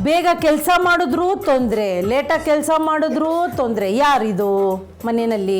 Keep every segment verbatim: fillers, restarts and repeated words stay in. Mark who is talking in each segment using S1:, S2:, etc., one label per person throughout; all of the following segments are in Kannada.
S1: ಬೇಗ ಕೆಲಸ ಮಾಡಿದ್ರು ತೊಂದರೆ, ಲೇಟಾಗಿ ಕೆಲಸ ಮಾಡಿದ್ರು ತೊಂದರೆ. ಯಾರಿದು ಮನೆಯಲ್ಲಿ?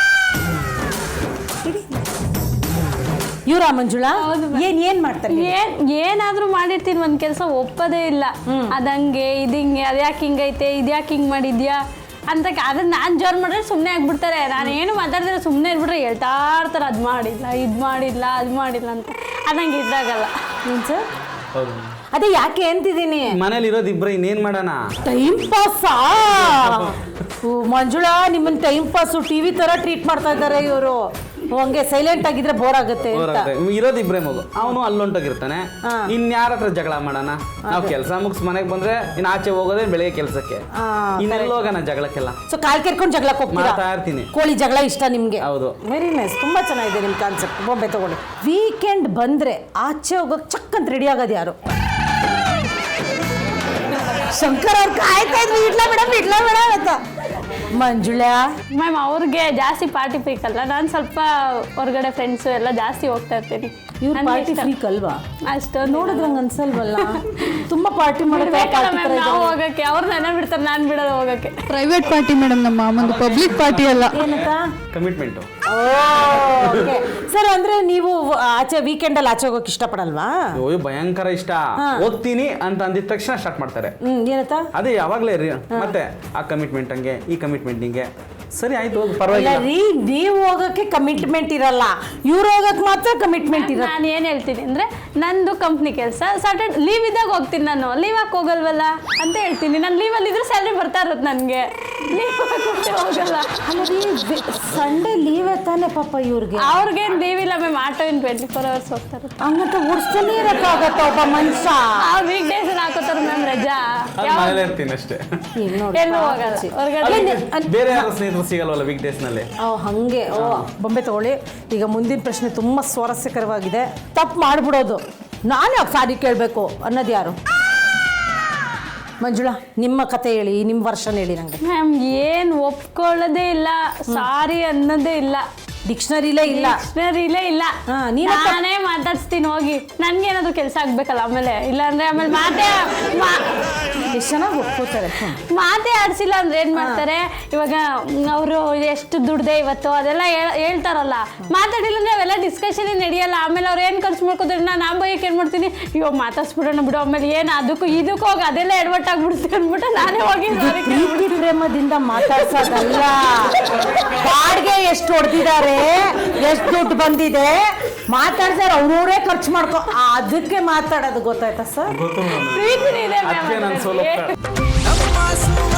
S1: ಇವ್ರ ಮಂಜುಳಾ? ಏನ್ ಏನ್ ಮಾಡ್ತಾರೆ?
S2: ಏನ್ ಏನಾದ್ರೂ ಮಾಡಿರ್ತೀನಿ, ಒಂದ್ ಕೆಲಸ ಒಪ್ಪದೇ ಇಲ್ಲ. ಅದಂಗೆ ಇದಿಂಗೆ, ಅದ್ಯಾಕೆ ಹಿಂಗೈತೆ, ಇದ್ಯಾಕೆ ಹಿಂಗ್ ಮಾಡಿದ್ಯಾ ಅಂತ. ಅದನ್ನ ನಾನ್ ಜೋರ್ ಮಾಡಿದ್ರೆ ಸುಮ್ಮನೆ ಆಗ್ಬಿಡ್ತಾರೆ. ನಾನು ಏನು ಮಾತಾಡಿದ್ರೆ ಸುಮ್ಮನೆ ಇರ್ಬಿಟ್ರೆ ಹೇಳ್ತಾ ಇರ್ತಾರೆ, ಅದ್ ಮಾಡಿಲ್ಲ, ಇದ್ ಮಾಡಿಲ್ಲ, ಅದ್ ಮಾಡಿಲ್ಲ ಅಂತ. ಅದಂಗೆ ಇದಾಗಲ್ಲ.
S1: ಸರ್ ಅದೇ ಯಾಕೆ ಅಂತಿದ್ದೀನಿ,
S3: ಮನೇಲಿ ಇರೋದು ಇಬ್ರು, ಇನ್ನೇನ್ ಮಾಡೋಣ?
S1: ಟೈಮ್ ಪಾಸಾ? ಮಂಜುಳಾ, ನಿಮ್ಮನ್ನ ಟೈಮ್ ಪಾಸು ಟಿವಿ ತರ ಟ್ರೀಟ್ ಮಾಡ್ತಾ ಇದ್ದಾರೆ ಇವರು. ಹಂಗೆ ಸೈಲೆಂಟ್ ಆಗಿದ್ರೆ ಬೋರ್ ಆಗುತ್ತೆ ಅಂತ.
S3: ಇರೋದು ಇಬ್ರೇ ಮಗು, ಅವನು ಅಲ್ಲೊಂಟೋಗಿರ್ತಾನೆ. ಇನ್ಯಾರ ಹತ್ರ ಜಗಳ ಮಾಡೋಣ? ನಾವು ಕೆಲಸ ಮುಗಿಸ್ ಮನೆಗೆ ಬಂದ್ರೆ ಇನ್ನು ಆಚೆ ಹೋಗೋದೇ ಬೆಳಿಗ್ಗೆ ಕೆಲಸಕ್ಕೆ, ಇನ್ನೆಲ್ಲ ಹೋಗೋಣ ಜಗಳಕ್ಕೆಲ್ಲ. ಸೊ
S1: ಕಾಲ್ ಕೆರ್ಕೊಂಡು ಜಗಳಕ್ಕೆ ಹೋಗ್ತಾ
S3: ಇರ್ತೀನಿ.
S1: ಕೋಳಿ ಜಗಳ ಇಷ್ಟ ನಿಮ್ಗೆ?
S3: ಹೌದು.
S1: ವೆರಿ ನೈಸ್, ತುಂಬಾ ಚೆನ್ನಾಗಿದೆ ನಿಮ್ ಕಾನ್ಸೆಪ್ಟ್. ಬೊಂಬೆ ತಗೊಳ್ಳಿ. ವೀಕೆಂಡ್ ಬಂದ್ರೆ ಆಚೆ ಹೋಗೋಕ್ ಚಕ್ ಅಂತ ರೆಡಿ ಆಗೋದು ಯಾರು? ಶಂಕರ್ ಅವ್ರು ಕಾಯ್ತಾ ಇದ್ರು, ಇಡ್ಲಾ ಮೇಡಮ್ ಇಡ್ಲಾ ಮೇಡಮ್ ಅಂತ. ಮಂಜುಳಾ
S2: ಮ್ಯಾಮ್, ಅವ್ರಿಗೆ ಜಾಸ್ತಿ ಪಾರ್ಟಿ ಫ್ರೀಕ್ ಅಲ್ಲ, ನಾನು ಸ್ವಲ್ಪ ಹೊರಗಡೆ ಫ್ರೆಂಡ್ಸು ಎಲ್ಲ ಜಾಸ್ತಿ ಹೋಗ್ತಾ ಇರ್ತೀನಿ.
S1: ಇವ್ರು ಪಾರ್ಟಿ ಫ್ರೀಕ್ ಅಲ್ವಾ?
S2: ಅಷ್ಟು
S1: ನೋಡಿದ್ರೆ ಹಂಗೆ ಅನ್ಸಲ್ವಲ್ಲ? ತುಂಬಾ ಪಾರ್ಟಿ
S2: ಮಾಡೋಕೆ ನಾವು ಹೋಗಕ್ಕೆ, ಅವ್ರು ನೆನ ಬಿಡ್ತಾರೆ, ನಾನು ಬಿಡೋದು ಹೋಗಕ್ಕೆ.
S4: ಪ್ರೈವೇಟ್ ಪಾರ್ಟಿ ಮೇಡಮ್, ನಮ್ಮ ಒಂದು ಪಬ್ಲಿಕ್ ಪಾರ್ಟಿ ಅಲ್ಲ.
S1: ಏನಂತ?
S3: ಕಮಿಟ್ಮೆಂಟ್.
S1: ಸರ್ ಅಂದ್ರೆ ನೀವು ಆಚೆ ವೀಕೆಂಡ್ ಅಲ್ಲಿ ಆಚೆ ಹೋಗಕ್ಕೆ ಇಷ್ಟಪಡಲ್ವಾ?
S3: ಅಯ್ಯೋ ಭಯಂಕರ ಇಷ್ಟ. ಹೋಗ್ತೀನಿ ಅಂತ ಅಂದಿದ ತಕ್ಷಣ ಸ್ಟಾರ್ಟ್ ಮಾಡ್ತಾರೆ.
S1: ಹ್ಮ್ ಏನಂತ?
S3: ಅದೇ ಯಾವಾಗ್ಲೇ ರೀ, ಮತ್ತೆ ಆ ಕಮಿಟ್ಮೆಂಟ್ ಹಂಗೆ, ಈ ಕಮಿಟ್ಮೆಂಟ್ ಹಿಂಗೆ. ಸರಿ ಆಯ್ತು, ಪರವಾಗಿಲ್ಲ
S1: ರೀ. ನೀವು ಹೋಗಕ್ಕೆ ಕಮಿಟ್ಮೆಂಟ್ ಇರಲ್ಲ, ಇವ್ರು ಹೋಗಕ್ಕೆ ಮಾತ್ರ ಕಮಿಟ್ಮೆಂಟ್ ಇರಲ್ಲ.
S2: ನಾನು ಏನು ಹೇಳ್ತೀನಿ ಅಂದ್ರೆ, ನಂದು ಕಂಪ್ನಿ ಕೆಲಸ, ಸಾಟರ್ಡೆ ಲೀವ್ ಇದ್ದಾಗ ಹೋಗ್ತೀನಿ. ನಾನು ಲೀವ್ ಹಾಕಿ ಹೋಗಲ್ವಲ್ಲ ಅಂತ ಹೇಳ್ತೀನಿ. ನಾನು ಲೀವಲ್ಲಿ ಇದ್ರೆ ಸ್ಯಾಲ್ರಿ ಬರ್ತಾ ಇರುತ್ತೆ ನನಗೆ. ಲೀವ್ ಹಾಕಿ ಹೋಗಲ್ಲ.
S1: ಸಂಡೇ ಲೀವ್ ತಾನೆ ಪಾಪ ಇವ್ರಿಗೆ?
S2: ಅವ್ರಿಗೇನು ಲೀವ್ ಇಲ್ಲ ma'am, auto in twenty four hours ಹೋಗ್ತಾರೆ.
S1: ಹಂಗಂತ ಓಡಿಸ್ತಾನೆ ಇರಕ್ಕಾಗತ್ತ ಒಬ್ಬ ಮನುಷ್ಯ?
S2: ಆ ವೀಕ್ ಡೇಸ್ ಹಾಕೋತಾರೆ ಮ್ಯಾಮ್ ರಜಾ.
S3: ಮನೇಲಿ ಇರ್ತೀನಿ ಅಷ್ಟೇ,
S2: ಎಲ್ಲೂ ಹೋಗಲ್ಲ ಹೊರಗಡೆ.
S3: ಬೇರೆ ಯಾರು ಸ್ನೇಹಿತರು ಸಿಗಲ್ವಲ್ಲ ವೀಕ್ ಡೇಸ್ ನಲ್ಲಿ.
S1: ಓ ಹಂಗೆ. ಓ ಬೊಂಬೆ ತಗೊಳ್ಳಿ. ಈಗ ಮುಂದಿನ ಪ್ರಶ್ನೆ ತುಂಬಾ ಸ್ವಾರಸ್ಯಕರವಾಗಿದೆ. ತಪ್ಪು ಮಾಡ್ಬಿಡೋದು, ನಾನು ಯಾಕೆ ಸಾರಿ ಕೇಳಬೇಕು ಅನ್ನೋದು ಯಾರು? ಮಂಜುಳಾ, ನಿಮ್ಮ ಕತೆ ಹೇಳಿ, ನಿಮ್ಮ ವರ್ಷನ್ ಹೇಳಿ ನಂಗೆ.
S2: ಮ್ಯಾಮ್, ಏನು ಒಪ್ಕೊಳ್ಳೋದೇ ಇಲ್ಲ, ಸಾರಿ ಅನ್ನೋದೇ ಇಲ್ಲ,
S1: ಡಿಕ್ಷನರಿಲೇ ಇಲ್ಲ,
S2: ಡಿಕ್ಷನರಿಲೇ ಇಲ್ಲ. ನಾನೇ ಮಾತಾಡ್ಸ್ತೀನಿ ಹೋಗಿ, ನನ್ಗೇನಾದ್ರು ಕೆಲಸ ಆಗ್ಬೇಕಲ್ಲ ಆಮೇಲೆ. ಇಲ್ಲಾಂದ್ರೆ ಆಮೇಲೆ ಮಾತೇ
S1: ಎಷ್ಟು ಚೆನ್ನಾಗಿ ಒಪ್ಕೋತಾರೆ.
S2: ಮಾತೇ ಆಡ್ಸಿಲ್ಲ ಅಂದ್ರೆ ಏನ್ ಮಾಡ್ತಾರೆ? ಇವಾಗ ಅವರು ಎಷ್ಟು ದುಡ್ದೆ ಇವತ್ತು ಅದೆಲ್ಲ ಹೇಳ್ತಾರಲ್ಲ, ಮಾತಾಡಿಲ್ಲ ಅಂದ್ರೆ ಅವೆಲ್ಲ ಡಿಸ್ಕಷನ್ ನಡೆಯಲ್ಲ. ಆಮೇಲೆ ಅವ್ರು ಏನ್ ಖರ್ಚು ಮಾಡ್ಕೋದ್ರೆ ನಾನು ಆ ಬೈಕ್ ಏನ್ ಮಾಡ್ತೀನಿ, ಅಯ್ಯೋ ಮಾತಾಡ್ಸ್ಬಿಡೋಣ ಬಿಡು, ಆಮೇಲೆ ಏನ್ ಅದಕ್ಕೂ ಇದಕ್ಕೂ ಹೋಗಿ ಅದೆಲ್ಲ ಎಡವಟ್ಟಾಗ್ಬಿಡ್ತೀನಿ ಅಂದ್ಬಿಟ್ಟು ನಾನೇ ಹೋಗಿ
S1: ಪ್ರೀತಿ ಪ್ರೇಮದಿಂದ ಮಾತಾಡ್ಸೋದಲ್ಲ. ಬಾಡ್ಗೆ ಎಷ್ಟು ಹೊಡೆದಿದ್ದಾರೆ, ಎಷ್ಟು ದುಡ್ಡು ಬಂದಿದೆ ಮಾತಾಡ್ತಾರೆ, ಅವ್ರವರೇ ಖರ್ಚು ಮಾಡ್ಕೊ, ಅದಕ್ಕೆ ಮಾತಾಡೋದು. ಗೊತ್ತಾಯ್ತಾ ಸರ್?
S2: ಪ್ರೀತಿ ಇದೆ
S3: ಅದಕ್ಕೆ ನಾನು ಸೋಲೋ